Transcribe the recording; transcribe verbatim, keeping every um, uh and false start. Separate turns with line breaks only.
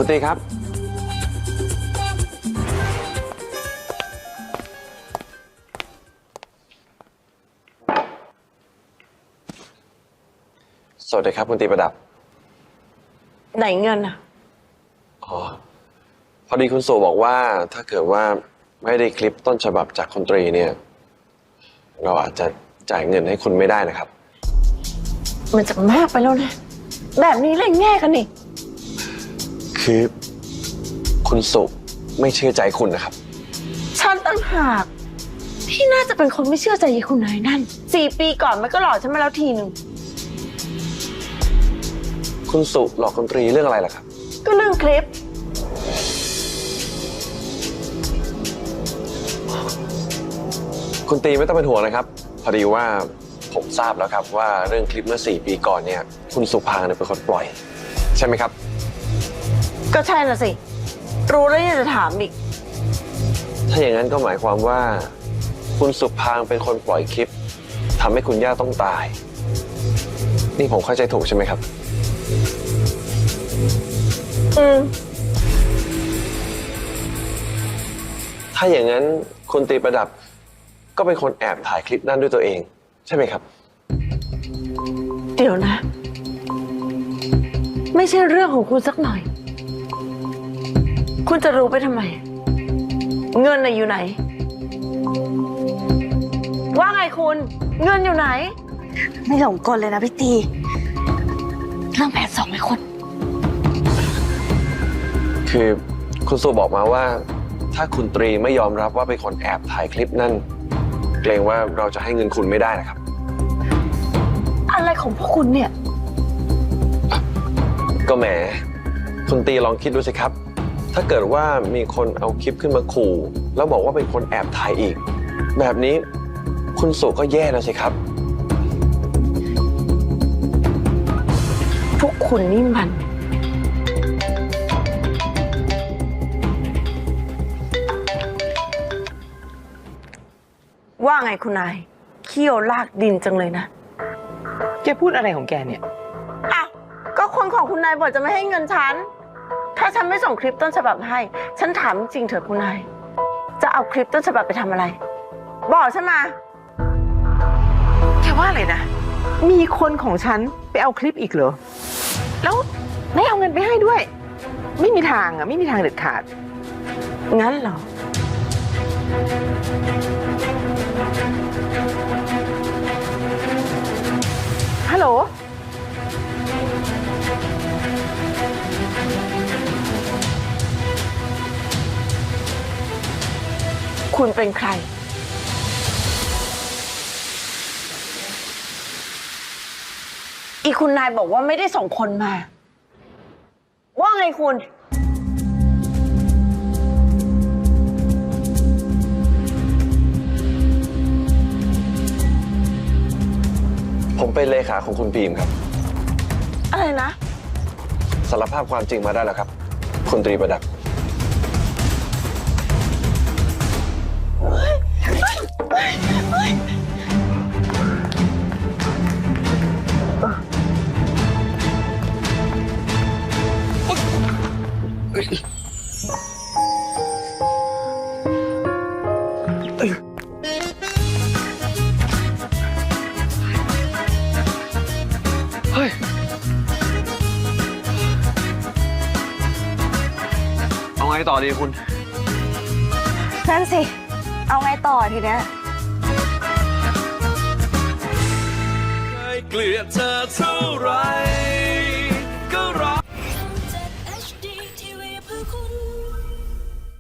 คุณตีครับสวัสดีครับคุณตีประดับ
ไหนเงินอ่ะ
อ๋อพอดีคุณสู่บอกว่าถ้าเกิดว่าไม่ได้คลิปต้นฉบับจากคุณตรีเนี่ยเราอาจจะจ่ายเงินให้คุณไม่ได้นะครับ
มันจะมากไปแล้วนะแบบนี้เลยแง่กันนี่
คือคุณสุไม่เชื่อใจคุณนะครับ
ฉันตั้งหากที่น่าจะเป็นคนไม่เชื่อใจยายคุณนายนั่นสี่ปีก่อนมันก็หลอกฉันมาแล้วทีหนึ่ง
คุณสุหลอกคุณตรีเรื่องอะไรล่ะครับ
ก็เรื่องคลิป
คุณตีไม่ต้องเป็นห่วงนะครับพอดีว่าผมทราบแล้วครับว่าเรื่องคลิปเมื่อสี่ปีก่อนเนี่ยคุณสุภางเนี่ยเป็นคนปล่อยใช่ไหมครับ
ก็ใช่น่ะสิรู้แล้วยังจะถามอีก
ถ้าอย่างนั้นก็หมายความว่าคุณสุภางเป็นคนปล่อยคลิปทำให้คุณย่าต้องตายนี่ผมเข้าใจถูกใช่ไหมครับ
อืม
ถ้าอย่างนั้นคุณตีประดับก็เป็นคนแอบถ่ายคลิปนั้นด้วยตัวเองใช่ไหมครับ
เดี๋ยวนะไม่ใช่เรื่องของคุณสักหน่อยคุณจะรู้ไปทำไมเงินน่ะอยู่ไหนว่าไงคุณเงินอยู่ไหน
ไม่หลงกลเลยนะพี่ตีเรื่องแผนสองไหมคุณ
คือคุณสุบอกมาว่าถ้าคุณตรีไม่ยอมรับว่าเป็นคนแอบถ่ายคลิปนั่นเกรงว่าเราจะให้เงินคุณไม่ได้นะครับ
อะไรของพวกคุณเนี่ย
ก็แหมคุณตีลองคิดดูสิครับถ้าเกิดว่ามีคนเอาคลิปขึ้นมาขู่แล้วบอกว่าเป็นคนแอบถ่ายอีกแบบนี้คุณสุก็แย่แล้วสิครับ
พวกคุณนี่มันว่าไงคุณนายเขี้ยวลากดินจังเลยนะ
แกพูดอะไรของแกเนี่ย
อ้าวก็คนของคุณนายบอกจะไม่ให้เงินฉันถ้าฉันไม่ส่งคลิปต้นฉบับให้ฉันถามจริงเถอะคุณนายจะเอาคลิปต้นฉบับไปทำอะไรบอกฉันมา
แกว่าอะไรนะมีคนของฉันไปเอาคลิปอีกเหรอแล้วไม่เอาเงินไปให้ด้วยไม่มีทางอ่ะไม่มีทางเด็ดขาด
งั้นเหรอ
ฮัลโหล
คุณเป็นใครอีคุณนายบอกว่าไม่ได้ส่งคนมาว่าไงคุณ
ผมเป็นเลขาของคุณบีมครับ
อะไรนะ
สารภาพความจริงมาได้แล้วครับคุณตรีประดับเฮ้ยเอาไงต่อดีคุณ
นั่นสิเอาไงต่อทีเนี้ย
เคยเกลียดเธอเท่าไร